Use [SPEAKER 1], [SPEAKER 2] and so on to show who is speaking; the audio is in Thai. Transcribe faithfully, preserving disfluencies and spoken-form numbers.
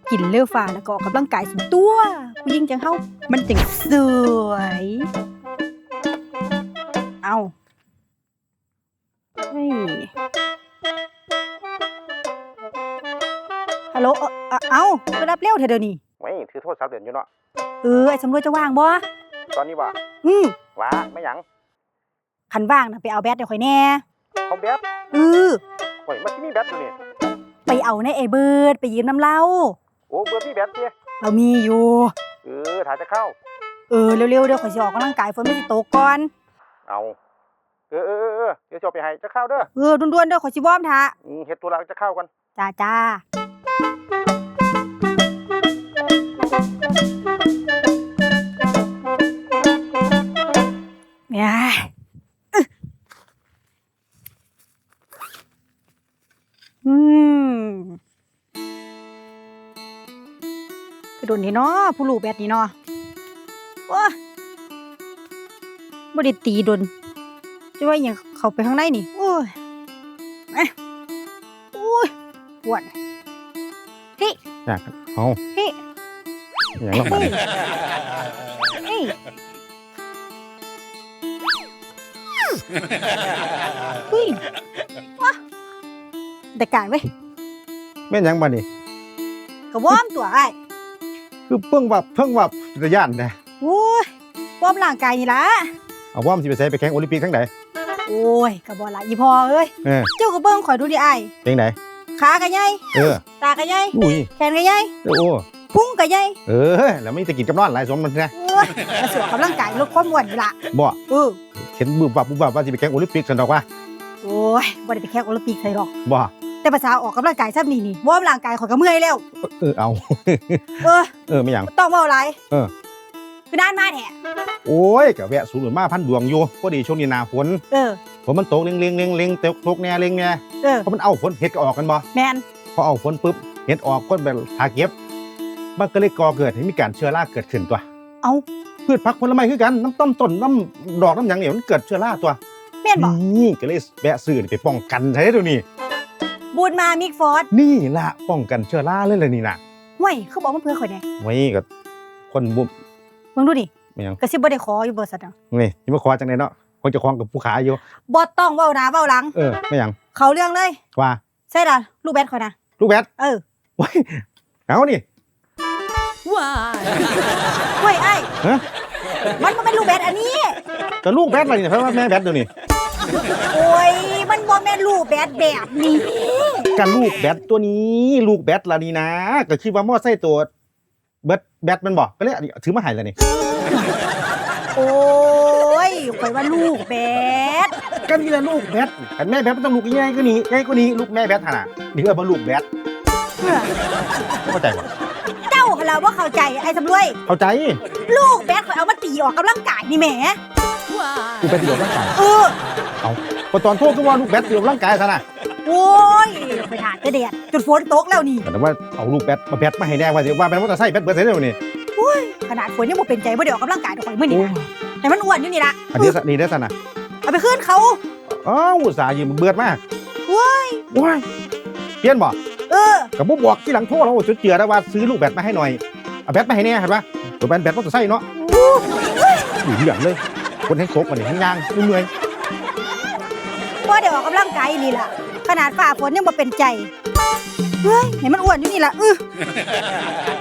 [SPEAKER 1] กินเลือฟ้าแล้วก็ออกกำลังกายสุดตัวผู้หญิงจังเฮามันจังสวยเอาเฮ้ยฮัลโหลเออเออเอาไปรับเร็วเถอะเดี๋ยวนี้
[SPEAKER 2] ไม่ถือโทษสามเดือนอยู่เนาะ
[SPEAKER 1] เออไอ้สำรวจจะว่างบ่
[SPEAKER 2] ตอนนี้ว่า
[SPEAKER 1] อืม
[SPEAKER 2] ว่าไม่หยัง
[SPEAKER 1] คันว่างนะไปเอาแบตเดี๋ยวข่อยแน่
[SPEAKER 2] เอาแบต
[SPEAKER 1] เออ
[SPEAKER 2] โอ้ยมันที่มีแบตอยู่นี่
[SPEAKER 1] ไปเอาในไอ้เบิร์ดไปยืมน้ำเล่า
[SPEAKER 2] โอ้เบิร์ดมีแบตดิ
[SPEAKER 1] เรามีอยู่
[SPEAKER 2] เออถ่ายจะเข้า
[SPEAKER 1] เออเร็วๆเดี๋ยวข่อยสิออกกำลังกายฝนไม่สิตกก่อน
[SPEAKER 2] เอาเออเออเออเดี๋ยวจะไปให้จะเข้าเด้อ
[SPEAKER 1] เออด่วนๆเด้อข่อยสิวอร์มท่า
[SPEAKER 2] อืมเฮ็ดตัวแล้วจะเข้ากัน
[SPEAKER 1] จ้าจ้าเนี่ยอืมไปโดนนี่เนาะผู้ลูกแบบนี้เนาะว้าบ่ได้ตีโดนจะว่าอย่างเข้าไปข้างในนี่โอ้ยเอ๊ะโอ้ยปวดเฮ้ย
[SPEAKER 2] อยากเอา
[SPEAKER 1] เฮ้ย
[SPEAKER 2] อย่างนั้น
[SPEAKER 1] เฮ้ยเฮ้ยว้าแต่การเว้ย
[SPEAKER 2] แม่นยังบ่นี่
[SPEAKER 1] ก็วอร์มตัวไอ้
[SPEAKER 2] คือเพิ่งวับเพิ่งวับระยะนะ
[SPEAKER 1] โอ้ยวอร์มร่างกายนี่ล่ะ
[SPEAKER 2] เอาวอร์มสิไปใส่ไปแข่งโอลิมปิกทั้งใด
[SPEAKER 1] โอ้ยก็บ่ล่ะอีพ่อเอ้ยเจ้าก็เบิ่งข่อยดูดิไอ้
[SPEAKER 2] จังได๋
[SPEAKER 1] ขาก็ใหญ่
[SPEAKER 2] เออ
[SPEAKER 1] ตาก็ใหญ่
[SPEAKER 2] อุ้ย
[SPEAKER 1] แขนก็ใหญ่
[SPEAKER 2] โอ้
[SPEAKER 1] พุงก็ใหญ่
[SPEAKER 2] เออแล้วมีแต่กินกับนอนหลายสมมันนะ
[SPEAKER 1] โอ้ยมาสวมกำลังกายลดความอ้วนนี่ล่ะ
[SPEAKER 2] บ่
[SPEAKER 1] เออ
[SPEAKER 2] เห็นบึบวับบึบวับว่าสิไปแข่งโอลิมปิกซั่นดอกว่า
[SPEAKER 1] โอ้ยบ่ได้ไปแข่งโอลิมปิกไสดอก
[SPEAKER 2] บ่
[SPEAKER 1] แต่ภาษาออกกำลังกายซ้ำนี่นี่วอร์มร่างกายข่อยก็เมื่อยแล้ว
[SPEAKER 2] เออเอา
[SPEAKER 1] เออ
[SPEAKER 2] เออไม่หยัง
[SPEAKER 1] ต้องเว้าหลาย
[SPEAKER 2] เออ
[SPEAKER 1] คือนานมาแท้
[SPEAKER 2] โอ้ยก็แวะสูงมาพันดวงอยู่พอดีช่วงนี้หน้าฝน
[SPEAKER 1] เออ
[SPEAKER 2] ฝนมันตกเล็งๆๆๆตกแน่เล็งแน่
[SPEAKER 1] เออ
[SPEAKER 2] เพราะมันเอาฝนเฮ็ดก็ออกกันบ่
[SPEAKER 1] แม่น
[SPEAKER 2] พอเอาฝนปุ๊บเฮ็ดออกคนแบบหาเก็บมันก็เลยก่อเกิดให้มีการเชื้อราเกิดขึ้นตัว
[SPEAKER 1] เอา
[SPEAKER 2] พืชผักผลไม้คือกันน้ำต้นต้นน้ำดอกน้ำหยังเนี่ยมันเกิดเชื้อราตัว
[SPEAKER 1] แม่นบ่
[SPEAKER 2] นี่ก็เลยแวะซื้อไปป้องกันใช้ตัวนี้
[SPEAKER 1] บูดมามิกฟอร์ด
[SPEAKER 2] นี่ล่ะป้องกันเชื้อราเลยเลยนี่น่ะ
[SPEAKER 1] ห้วยเขาบอกมันเพื่อข่อยแน่
[SPEAKER 2] ไว้ก็คนบุ
[SPEAKER 1] มึงดูดิก็สิบ่ได้ขออยู่บ่ซั่นน่ะ
[SPEAKER 2] นี่สิมาขอจังได๋เนาะคงจะคล้องกับผู้ขายอยู่
[SPEAKER 1] บ่ต้องเว้าหน้าเว้าหลัง
[SPEAKER 2] เออไม่หยัง
[SPEAKER 1] เข้าเรื่องเลย
[SPEAKER 2] ว่า
[SPEAKER 1] ใช่ล่ะลูกแบดข่อยนะ
[SPEAKER 2] ลูกแบด
[SPEAKER 1] เออ
[SPEAKER 2] โอ้ยเอานี่
[SPEAKER 1] ว้ายเฮ้ยไอ้ฮะมันบ่แม่นลูกแบดอันนี้
[SPEAKER 2] ก็ลูกแบดอะไรเนี่ยเพราะว่าแม่แบดเดี๋ยวนี้
[SPEAKER 1] โอ้ยมันบ่แม่นลูกแบดแบบนี้
[SPEAKER 2] กันลูกแบดตัวนี้ลูกแบดล่ะนี่นะก็คิดว่ามอไซค์ตัวเบิดแบดมันบ่ก็เลยถือมาให้แล้วนี่
[SPEAKER 1] โอ้ยข่อยว่าลูกแบด
[SPEAKER 2] ก็นี่ล่ะลูกแบดแต่แม่แบดมันต้องลูกใหญ่กว่านี้ใหญ่กว่านี้ลูกแม่แบดหั่นน่ะนี่ก็บ่ลูกแบดเข้าใจบ่
[SPEAKER 1] เจ้าหั่นล่ะบ่เข้าใจไอ้สำรวย
[SPEAKER 2] เข้าใจ
[SPEAKER 1] ลูกแบดข่อยเอามาตีออกกำลังกายนี่แหม
[SPEAKER 2] กูไปตีออกกำลังกาย
[SPEAKER 1] เออ
[SPEAKER 2] เอาพอตอนโทษก็ว่าลูกแบดตีออกกำลังกายซะน่ะ
[SPEAKER 1] โอ้ยไปหาแต่แดดจนฝนตกแล้วนี่
[SPEAKER 2] แต่ว่าเอาลูกแบดมาแบดมาให้แน่ว่าสิว่าแม่นมอเตอร์ไซค์แบดเบิดใส่แล้วนี่
[SPEAKER 1] โอ้ยขนาดฝนยังบ่เป็นใจบ่ได้ออกกำลังกายดอกข่อยมื้อนี้แต่มันอ้วนอยู่นี่ล่ะ
[SPEAKER 2] อันนี้นี่ได้ซั่นน่ะ
[SPEAKER 1] เอาไปคืนเขา
[SPEAKER 2] อ้าวอุตส่าห์ยืมเบิดมา
[SPEAKER 1] โอ้ย
[SPEAKER 2] โอ้ยเปลี่ยนบ่
[SPEAKER 1] เออ
[SPEAKER 2] ก็บ่บอกที่หลังโทรแล้วจุดเจือได้ว่าซื้อลูกแบดมาให้หน่อยเอาแบดมาให้แน่เห็นป่ะตัวแบดแบดมอเตอร์ไซค์เนาะอยู่เหลืองเลยคนให้ซกมานี่ทั้งย่างเมื่อย
[SPEAKER 1] บ่ได้ออกกำลังกายนี่ล่ะขนาดฝ่าฝนยังบ่เป็นใจเฮ้ยเห็นมันอ้วนอยู่นี่ล่ะอื้อ